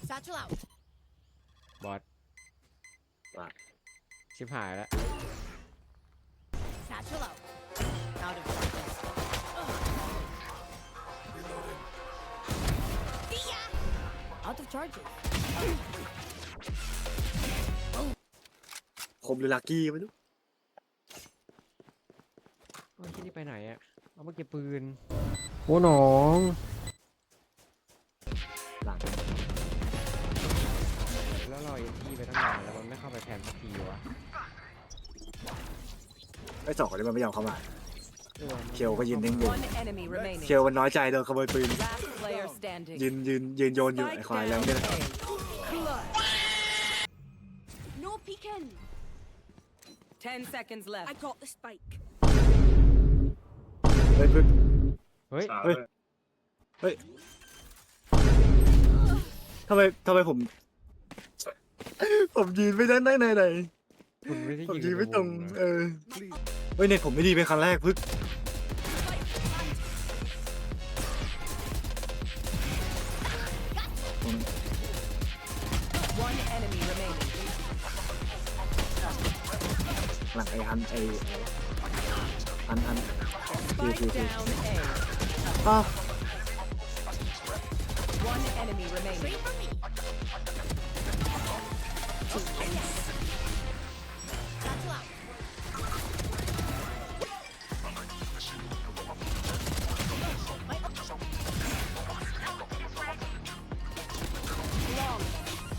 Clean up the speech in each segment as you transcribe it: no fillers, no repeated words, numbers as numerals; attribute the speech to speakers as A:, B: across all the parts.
A: Satchel out.
B: บอสชิบหายแล้ว
A: Satchel out. Out of focus. See ya. Out of charges.
C: คมหรือลักกี้ไม่รู้
B: โอ้ยที่นี่ไปไหนอะเอามาเก็บปืนโอ้หนอง
C: หลัง
B: แล้วเราเอ็นที่ไปตั้งนานแล้วมันไม่เข้าไปแทนสักทีวะ
C: ไอ้สองคนนี้มันไม่ยอมเข้ามา
B: ออ
C: เคียวก็ยืนนิ่งอยู่
D: One enemy remaining.
C: เคียวมันน้อยใจโดนขโมยปืน
D: Last player standing.
C: ยืนโยนอยู่ไอ้
D: Spike
C: ควายแล้ว
D: down
C: เนี่ย
D: A. Clutch.
A: No peeking.
D: 10 seconds
A: I
D: left.
A: got the spike.
C: เฮ้ยพึ่ง
B: เฮ้ย
C: เฮ้ยเฮ้ยทำไมผมยืนไม่ได้ไหน
B: คุณไม่ได้
C: ผม
B: ยิง
C: ยืนไม่ตรง
B: วนะ
C: เฮ้ยเน็ตผมไม่ดีเป็นครั้งแรกพึ่ง
D: One enemy remaining.
C: หลังไอ้ฮันที
D: Spike down A.
C: อ้าว
D: One enemy remaining.
A: Wait for me. Satchel out. Long.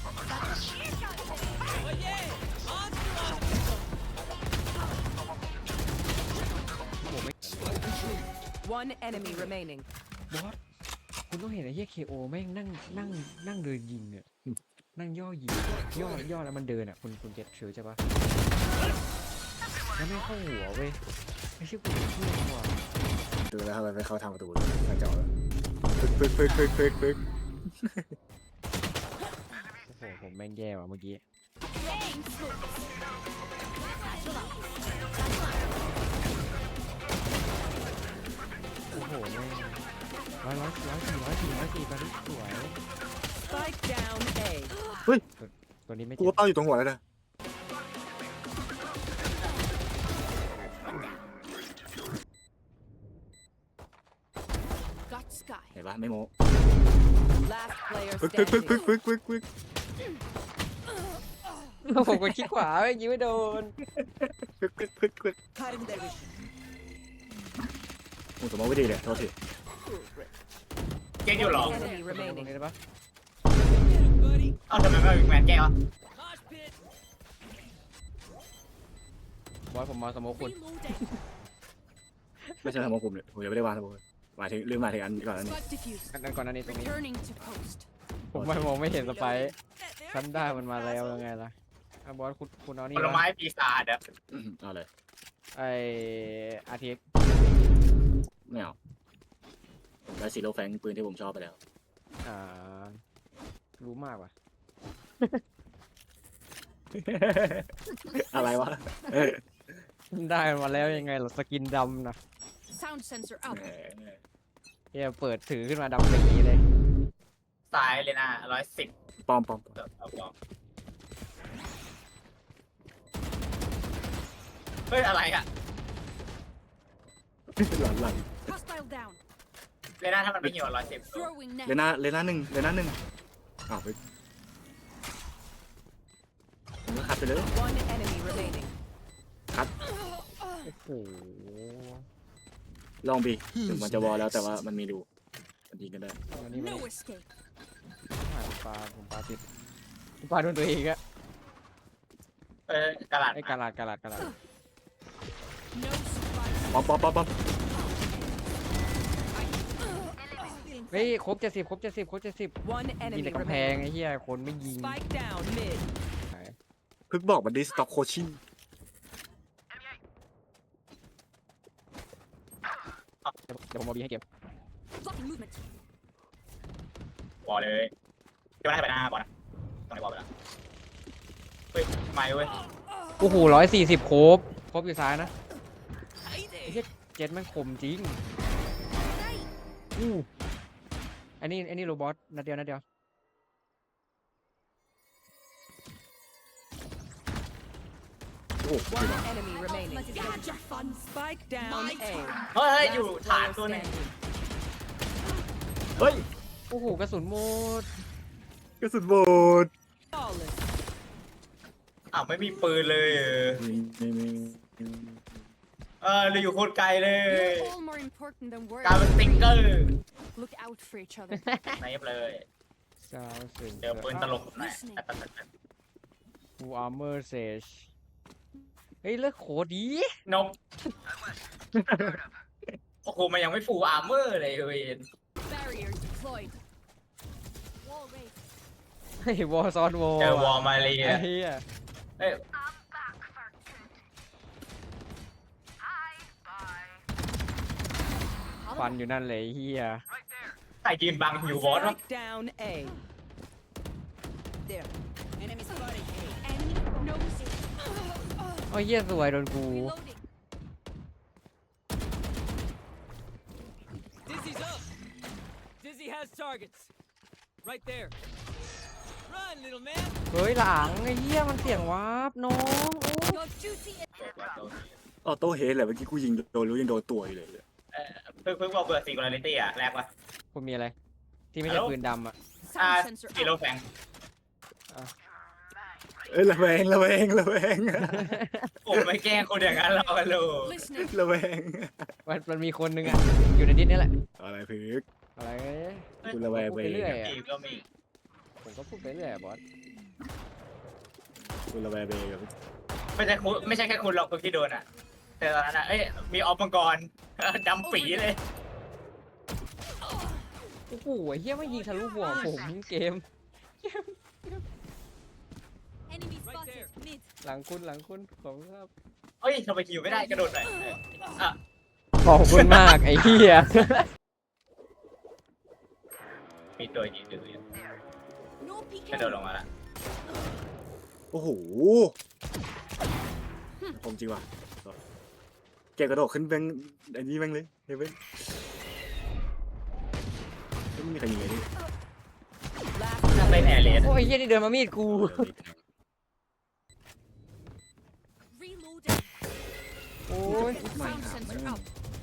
D: One enemy remaining.
B: บอสคุณต้องเห็นไอ้เหี้ย KO แม่งนั่งเดินยิงเนี่ยนั่งย่อยิงย่อแล้วมันเดินอ่ะคุณเก็ตถือใช่ปะแล้วไม่เข้าหัวเว้ยไม่ใช่คุณเชื่อว่ะ
C: ดูแล้วทำไมไม่เข้าทางประตูเลยทางเจาะแล้วปึ๊ก
B: โอ้โหผมแม่งแย่ว่ะเมื่อกี้
A: Rain smokes. Satchel out.
B: โอ้โหแม่งร้อยสี่ตอนนี้สวย
D: Spike down A.
B: ตัวนี้ไม่
C: กู
B: เจ็บ
C: ก็เป้าอยู่ตรงหัวแล้วนะ
A: Got sky.
C: เห็นปะไม่โม้
D: Last player
C: ปึ๊ก
D: standing.
B: ผมกดคลิกขวาไม่ยิงไม่โดน
D: Cutting their vision.
C: โอ้สมมติไม่ดีเลยโทษที
E: เจ๊อยู่หรอ
D: Enemy
B: ตรง
D: remaining.
B: นี้ได้ปะ
E: เอ้าทำไมไม่มีแมนแก้วะ
B: บอสผมมาสโมคคุณ
A: Reloading.
C: ไม่ใช่สมมติผมเลยผมยังไม่ได้วางสมมติหมายถึงลืมหมายถึงอันก่อนอันนี้
A: Spike diffused.
B: อันก่อนอันนี้ตรงนี้
A: Returning to post.
B: ผมมองไม่เห็นสไปร์ฉันได้มันมาแล้วยังไงล่ะอ่ะบอสคุณเอานี่
E: ผลไม้ปีศาจอะ
C: เอาเลย
B: ไออาทิตย์
C: ไม่เอาผมได้ซีโร่แฟงปืนที่ผมชอบไปแล้ว
B: อ่ารู้มากว่ะ
C: อะไรวะ
B: ได้มันมาแล้วยังไงล่ะสกินดำนะ
A: Sound sensor out.
B: เฮียเปิดถือขึ้นมาดำปีเลย
E: สายเลยนะ110
C: ปอม
E: เฮ้ยอะไรอะ
C: หลัง
A: Hostile down.
E: เลยนะถ้ามันไม่หิว110
A: Throwing
C: เล
A: net.
C: น่าหนึ่งอ้าวไปผมก็คัดไปเลย
D: One enemy remaining.
B: โอ้โห
C: ลองบีถึงมันจะวอลแล้วแต่ว่ามันมีดูมันยิงกันได้
B: อันนี้ไม่
A: No escape.
B: ผมปลาติดผมปลาโดนตัวเองอะ
E: กระดาษ
B: ไอ้กาลาด
A: No surprise.
C: ปอม
B: เฮ้ยครบ70
D: One
B: ยิง
D: enemy
B: แต่กำแพง
D: remaining.
B: ไอ้เหี้ยคนไม่ยิง
D: Spike down mid.
C: พึกบอกมันดิสต็อกโคชิ่ง
B: เดี๋ยวผมเอาบีให้เก็บ
A: Blocking movement.
E: บอลเลยจะไม่ได้ไปหน้าบอลนะตรงไหนบอลไปแล้วเฮ้ยไม่เว้ย
B: โอ้โห140ครบอยู่ซ้ายนะไอ้เหี้ยเจ็ดแม่งคมจริงอู้อันนี้โรบอทนัดเดียว
C: โห
D: One enemy remaining.
A: Let it go. Gotcha fun.
D: Spike down A.
E: เฮ้ย
D: Last
E: อยู่ฐาน
D: player
E: ตัวหนึง
D: standing.
C: เฮ้ย
B: โอ้โหกระสุนหมด
C: กระสุนโบด
D: Flawless.
E: อ้าวไม่มีปืนเลยเราอยู่โคตรไกลเลย
A: You're all more important than words.
E: กลายเป็นสติงเกอร์
A: Look out for each other.
E: ไหนเลย
B: ซาวเซน
E: เจอปืนตลกหน่อย
B: ฟูอาร์เมอร์เซชเฮ้ยเลิกโคตรดี
E: นกโอ้โหมันยังไม่ฟูลอาร์เมอร์เลยเวน
A: Barrier deployed. Wall raised.
B: เฮ้ยวอลซอนวอล
E: เจอวอลมาเรีย
B: ไอ้เหี้ย
E: เอ้ย
B: ฟันอยู่นั่นเลยไอ้เหี้ย
E: ใครยืนบังอยู่บอสวะ
D: Spike down A. There. Enemy spotted A.
A: Enemy no mistake.
B: โอ้ยเหี้ยสวยโดนกู
A: Reloading.
F: Dizzy's up. Dizzy has targets. Right there. Run, little man.
B: เฮ้ยหลังไอ้เหี้ยมันเสียงวาร์ปน้องโอ้
A: Your duty is
C: ออโต้เฮดแหละเมื่อกี้กูยิงโดนรู้ยังโดนตัวอยู่เลย
E: เพิ่งบอกเบอร์ซิงคูลาริตี้อะแรกวะ
B: คุณมีอะไร ที่ไม่ใช่
E: ฮัลโหล
B: ปืนดำอ่ะ
A: sound sensor
E: กิโล
A: up.
E: แฟง
C: เอ้ยระแวง
E: ผมไม่แกล้งคนอย่างนั้นหรอกกันเลย
A: Listening.
C: ระแวง
B: มันมีคนนึงอ่ะ อยู่ในดิสนี่แหละ
C: อะไรพึก
B: อะไร
C: กูระแวง
B: พู
C: ไป
B: ดไปเรื่อยอะ
E: อีกก็มี
B: ผมก็พูดไปเรื่อยอะบอส
C: กูระแวงไปกับ
E: ไม่ใช่แค่คุณหรอกคนที่โดนอ่ะ แต่ตอนนั้นอะเอ้ยมีออฟมังกร ดำปีเลย
B: โอ้โหไอ้เหี้ยไม่ยิงทะลุหัวผมเกม
A: Enemy spotted. Mid.
B: หลังคุณผมครับ
E: เอ้ยทำไมคิวไม่ได้กระโดดหน่อยอ่ะ
B: ขอบคุณมากไอ้เหี้ย
E: มีตัวยิงดื้อ
A: No
E: กระ
A: peeking.
E: โดดลงมาละ
C: โอ้โหผมจริงว่ะแกกระโดดขึ้นแบงอันนี้แบงเลยเฮ้ยเว้ยไม่มีใครยิงเลยดิ
D: Last
E: ถ้าเป็นแอร์เรียน
B: โอ้ยเหี้ยนี่เดินมามีดกู
A: Reloading.
B: โอ้ย
A: Sound sensor up.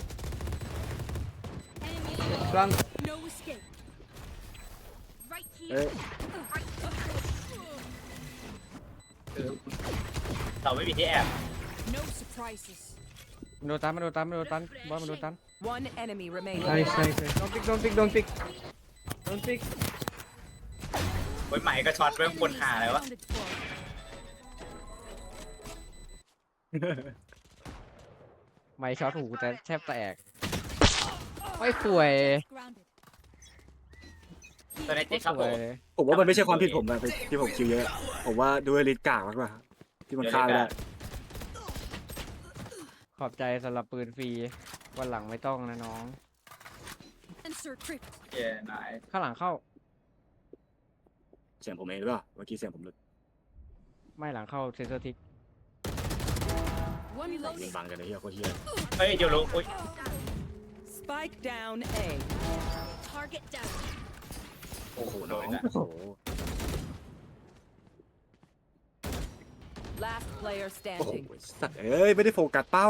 A: Enemy
B: กลาง
A: no escape. Right
C: เอ้ย
A: here.
E: เราไม่มีที่แอบ
A: No surprises.
B: มันโดนตันบอสมันโดนตัน
D: one enemy remaining.
B: ใช่โดนปิก
E: เว้ยใหม่ก็ช็อตเว้ยคนหาอะไรวะ
A: Accounted for.
B: ไม่ช็อตหูแต่แทบแตกโอ้ยสวย
A: Grounded.
E: ตัวในติดครับ
B: ส
E: ผ
B: วย
E: ม
B: เลย
C: ผมว่ามันไม่ใช่ความผิดผมนะที่ผมคิวเยอะ ผมว่าด้วยลิสกากมากกว่าที่มันฆ่าไม่ได้
B: ขอบใจสำหรับปืนฟรีวันหลังไม่ต้องนะน้อง
A: Sensor crypt.
E: เย้นาย
B: ข้างหลังเข้า
C: เสียงผมเองหรือเปล่าเมื่อกี้เสียงผมหลุด
B: ไม่หลังเข้าเซนเซอร์ทิก
A: One
C: ยิง
A: reloading.
C: บังกันเลยเฮียโคตรเฮีย
E: เฮ้ยเดี๋ยวรู้อุ้ย
D: Spike down A.
A: Target down.
E: โอ้โห
C: โอ้
E: โด
C: น้อน ง
E: อีกแล้ว
C: โอ้โห
D: Last player
C: โอ้โห
D: standing.
C: สัตว์เอ้ยไม่ได้โฟกัสเป้า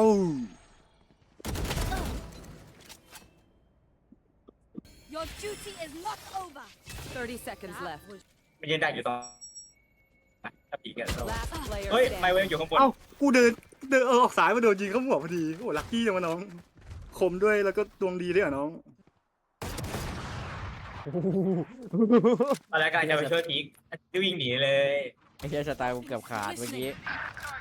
A: Your duty is not over.
D: 30 seconds left.
E: มันยืนดักอยู่ตรงถ้าปีกัน
D: Last player
E: เฮ้ยไม
D: standing.
E: เวลอยู่ข้างบน
C: เอ้ากูเดินออกสายมาโดนยิงเข้าหัวพอดีโอ้ลัคกี้จังวะน้องคมด้วยแล้วก็ดวงดีด้วยอ่ะน้อง
E: ตอนแรกกำลังจะไปช่วยพีกวิ่งหนีเลย
B: ไอ้เหี้ยสไตล์กูเกือบขาดเมื่อกี้